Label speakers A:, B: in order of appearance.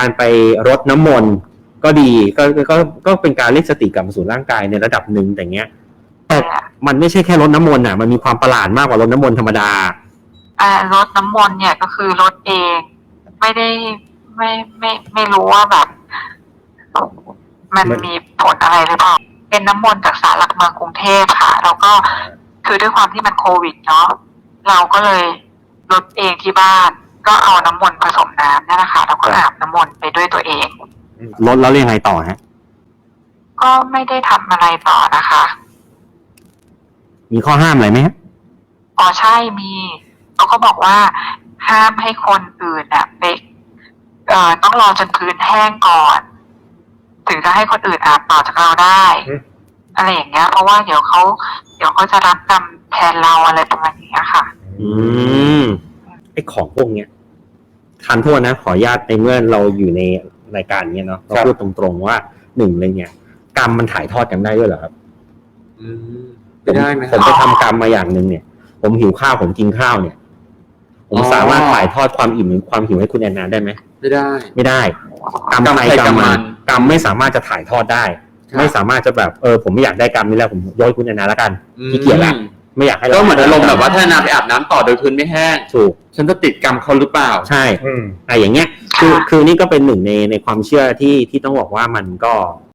A: การไปรดน้ำมนต์ก็ดีก็เป็นการเรียกสติกลับมาสู่ร่างกายในระดับหนึ่งแต่เงี้ยแต่มันไม่ใช่แค่รดน้ำมนต์อ่ะมันมีความประหลาดมากกว่ารดน้ำมนต์ธรรมด
B: ารดน้ำมนต์เนี่ยก็คือรดเองไม่ได้ไม่รู้ว่าแบบมันมีผลอะไรหรือเปล่าเป็นน้ำมนต์จากศาลหลักเมืองกรุงเทพค่ะแล้วก็คือด้วยความที่มันโควิดเนาะเราก็เลยรดเองที่บ้านก็เอาน้ำมนต์ผสมน้ำนี่แหละค่ะแล้วก็อาบน้ำมนต์ไปด้วยตัวเอง
A: รดแล้วยังไงต่อฮะ
B: ก็ไม่ได้ทำอะไรต่อนะคะ
A: มีข้อห้ามอะไรไหมฮะ
B: อ๋อใช่มีเขาก็บอกว่าห้ามให้คนอื่นไปต้องรอจนพื้นแห้งก่อนถึงจะให้คนอื่นอาบต่อจากเราได้อะไรอย่างเงี้ยเพราะว่าเดี๋ยวเขาจะรับกรรมแทนเราอะไรประมาณนี้ค่ะ
A: ไอ้ของพวกเนี้ยทันโทษนะขออนุญาตในเมื่อเราอยู่ในรายการเนี้ยเนาะเราพูดตรงๆว่าหนึ่งเลยเนี่ยกรรมมันถ่ายทอดกันได้ด้วยเหรอครับ
C: ได้ไหม
A: ผมไปทำกรรมมาอย่างนึงเนี่ยผมหิวข้าวผมกินข้าวเนี่ยผมสามารถถ่ายทอดความอิ่มหรือความหิวให้คุณแอนนาได้ไหม
C: ไม่ได้
A: กรรมใครกรรมมันกรรมไม่สามารถจะถ่ายทอดได้ไม่สามารถจะแบบผมไม่อยากได้กรรมนี้แล้วผมโยนคุณแอนนาแล้วกันขี้เกียจละไม่อยากให้
C: ก็เหมือนอารมณ์แบบว่าถ้านาไปอาบน้ำต่อโดยพื้นไม่แห้ง
A: ถูก
C: ฉันจะติดกรรมเขาหรือเปล่า
A: ใช่อย่างเงี้ยคือนี่ก็เป็นหนึ่งในความเชื่อที่ต้องบอกว่ามันก็